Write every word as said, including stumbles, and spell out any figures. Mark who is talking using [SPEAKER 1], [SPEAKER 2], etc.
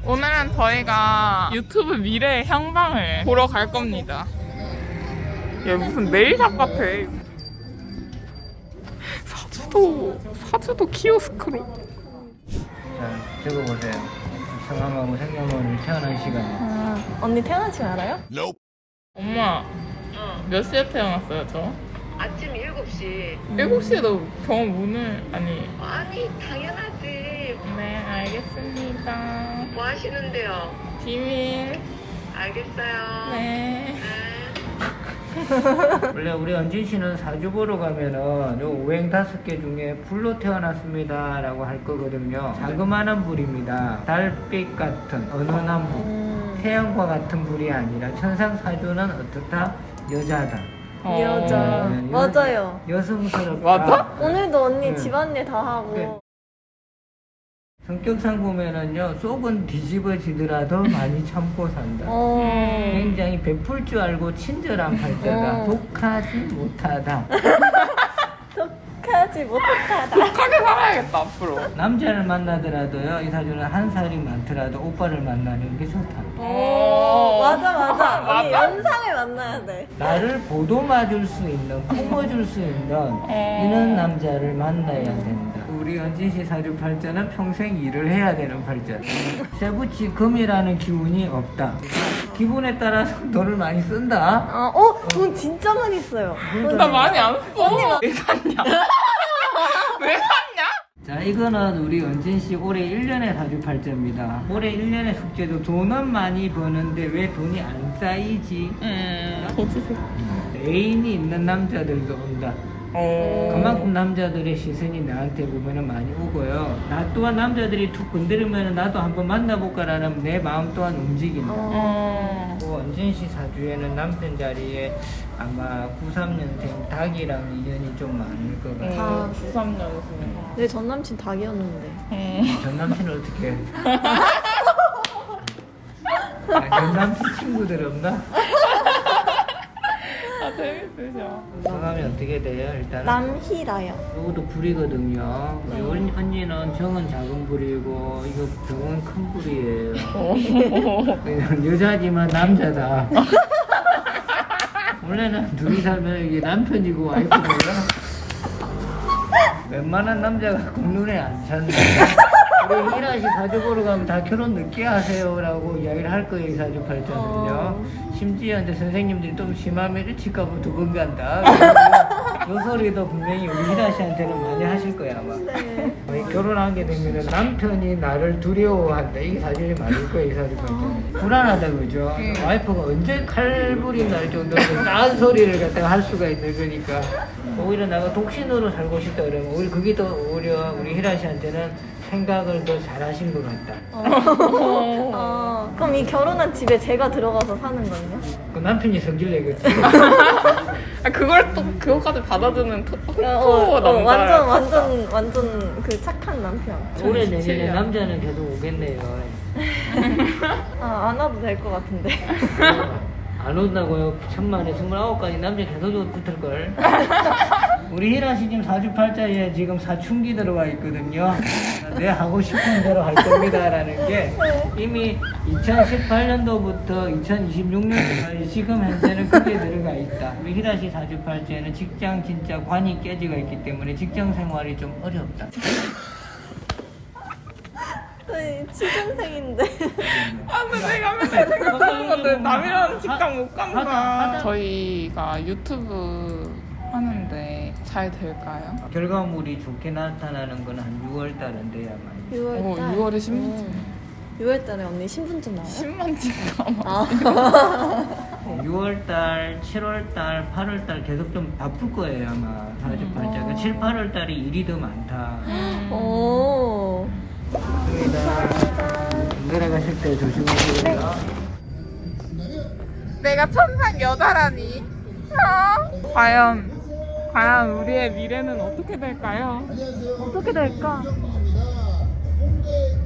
[SPEAKER 1] 오늘은 저희가 유튜브 미래의 향방을 보러 갈 겁니다. 얘 무슨 네일샵 같아. 사주도 사주도 키오스크로.
[SPEAKER 2] 자, 적어보세요. 성함하고 생년월일 태어난 시간.
[SPEAKER 3] 아, 언니 태어난 지 알아요?
[SPEAKER 1] 엄마
[SPEAKER 4] 어,
[SPEAKER 1] 몇 시에 태어났어요 저?
[SPEAKER 4] 아침 일곱 시.
[SPEAKER 1] 일곱 시에도 병원 문을 아니.
[SPEAKER 4] 아니, 당연하지.
[SPEAKER 1] 네 알겠습니다.
[SPEAKER 4] 뭐 하시는데요?
[SPEAKER 1] 비밀.
[SPEAKER 4] 알겠어요.
[SPEAKER 1] 네.
[SPEAKER 4] 네.
[SPEAKER 2] 원래 우리 은진 씨는 사주 보러 가면은 요 오행 다섯 개 중에 불로 태어났습니다 라고 할 거거든요. 자그마한 불입니다. 달빛 같은 은은한 불.
[SPEAKER 3] 음,
[SPEAKER 2] 태양과 같은 불이 아니라 천상 사주는 어떻다? 여자다.
[SPEAKER 1] 어.
[SPEAKER 3] 여자.
[SPEAKER 2] 네, 여-
[SPEAKER 3] 맞아요.
[SPEAKER 2] 여성스럽다.
[SPEAKER 1] 맞아?
[SPEAKER 3] 오늘도 언니
[SPEAKER 2] 네.
[SPEAKER 3] 집안일 다 하고.
[SPEAKER 2] 네. 성격상 보면은요, 속은 뒤집어지더라도 많이 참고 산다.
[SPEAKER 3] 어.
[SPEAKER 2] 굉장히 베풀 줄 알고 친절한 팔자다.
[SPEAKER 3] 어.
[SPEAKER 2] 독하지 못하다.
[SPEAKER 3] 독하지 못하다.
[SPEAKER 1] 독하게 살아야겠다 앞으로.
[SPEAKER 2] 남자를 만나더라도요, 이 사주는 한 살이 많더라도 오빠를 만나는 게 좋다.
[SPEAKER 3] 오, 맞아, 맞아. 언니
[SPEAKER 1] 맞아?
[SPEAKER 3] 연상을 만나야 돼.
[SPEAKER 2] 나를 보듬어줄 수 있는, 품어줄 수 있는 이런 남자를 만나야 된다. 우리 은진 씨 사주 팔자는 평생 일을 해야 되는 팔자다. 세부치 금이라는 기운이 없다. 기분에 따라서 돈을 많이 쓴다.
[SPEAKER 3] 아, 어? 돈 진짜 많이 써요.
[SPEAKER 1] 나 많이 안 써. 왜 샀냐? 왜 샀냐?
[SPEAKER 2] 자, 이거는 우리 은진 씨 올해 일 년의 사주 팔자입니다. 올해 일 년의 숙제도 돈은 많이 버는데 왜 돈이 안 쌓이지?
[SPEAKER 1] 음. 도지색.
[SPEAKER 2] 애인이 있는 남자들도 온다.
[SPEAKER 1] 어.
[SPEAKER 2] 그만큼 남자들의 시선이 나한테 보면은 많이 오고요. 나 또한 남자들이 툭 건드리면 나도 한번 만나볼까라는 내 마음 또한 움직인다.
[SPEAKER 1] 어.
[SPEAKER 2] 또 은진 씨 사주에는 남편 자리에 아마 구십삼 년생 닭이랑 인연이 좀 많을 것 같아요.
[SPEAKER 1] 어. 구십삼 년생.
[SPEAKER 3] 내 전 남친 닭이었는데.
[SPEAKER 1] 음.
[SPEAKER 2] 전 남친은 어떻게 해? 아, 전 남친 친구들 없나?
[SPEAKER 1] 아 재밌으셔.
[SPEAKER 2] 성함이 어떻게 돼요? 일단은
[SPEAKER 3] 남희라요.
[SPEAKER 2] 이것도 불이거든요. 우리 언- 언니는 정은 작은 불이고 이거 병은 큰 불이에요. 그냥 여자지만 남자다. 원래는 둘이 살면 이게 남편이고 와이프고요. 웬만한 남자가 그 눈에 안 찼는데 우리 희라 씨 사주 보러 가면 다 결혼 늦게 하세요라고 이야기를 할 거예요. 이 사주 팔자는요. 심지어 이제 선생님들이 좀 심하면 일찍 가면 두 번 간다. 요 소리도 분명히 우리 희라 씨한테는 많이 하실 거야 아마.
[SPEAKER 3] 네.
[SPEAKER 2] 어, 결혼하게 되면 남편이 나를 두려워한다. 이게 사실이 맞을 거예요. 이 사주 팔자는. 불안하다 그죠? 와이프가 언제 칼불이 날 정도로 딴 소리를 갖다가 할 수가 있는 거니까 오히려 내가 독신으로 살고 싶다 그러면 우리 그게 더 오히려 우리 희라 씨한테는 생각을 더 잘하신 것 같다.
[SPEAKER 3] 어, 그럼 이 결혼한 집에 제가 들어가서 사는 거예요?
[SPEAKER 2] 그 남편이 성질 내겠지.
[SPEAKER 1] 아 그걸 또 그거까지 받아주는 토, 토,
[SPEAKER 3] 어, 어, 어,
[SPEAKER 1] 남자야.
[SPEAKER 3] 완전 완전 완전 그 착한 남편.
[SPEAKER 2] 올해
[SPEAKER 1] 전이십칠
[SPEAKER 2] 내년에
[SPEAKER 1] 년.
[SPEAKER 2] 남자는 계속 오겠네요.
[SPEAKER 3] 아, 안 와도 될 것 같은데.
[SPEAKER 2] 안 온다고요? 천만에 스물아홉 가지 남자 계속 붙을걸. 우리 희라 씨 지금 사주팔자에 지금 사춘기 들어와 있거든요. 내 하고 싶은 대로 할 겁니다라는 게 이미 이천십팔 년도부터 이천이십육 년도까지 지금 현재는 크게 들어가 있다. 우리 희라 씨 사주팔자에는 직장 진짜 관이 깨지가 있기 때문에 직장 생활이 좀 어렵다.
[SPEAKER 3] 저희 취준생인데.
[SPEAKER 1] 아 근데 내가 맨날 생각하는 건데 남이랑 직장 못
[SPEAKER 2] 하다,
[SPEAKER 1] 간다.
[SPEAKER 2] 하다.
[SPEAKER 1] 저희가 유튜브 하는데 잘 될까요?
[SPEAKER 2] 결과물이 좋게 나타나는 건 한 유월 달은 돼야만.
[SPEAKER 3] 유월
[SPEAKER 1] 어,
[SPEAKER 3] 달.
[SPEAKER 1] 유월에 신분증.
[SPEAKER 3] 유월 달에 언니 신분증 나와요?
[SPEAKER 1] 십만 찍어.
[SPEAKER 3] 아.
[SPEAKER 2] 유월 달, 칠월 달, 팔월 달 계속 좀 바쁠 거예요 아마 사주팔자가.
[SPEAKER 3] 음.
[SPEAKER 2] 칠, 팔월 달이 일이 더 많다.
[SPEAKER 3] 오.
[SPEAKER 2] 감사합니다. 내려가실 때 조심하시고요.
[SPEAKER 1] 내가 천상 여자라니. 어? 과연 과연 우리의 미래는 어떻게 될까요?
[SPEAKER 3] 어떻게 될까?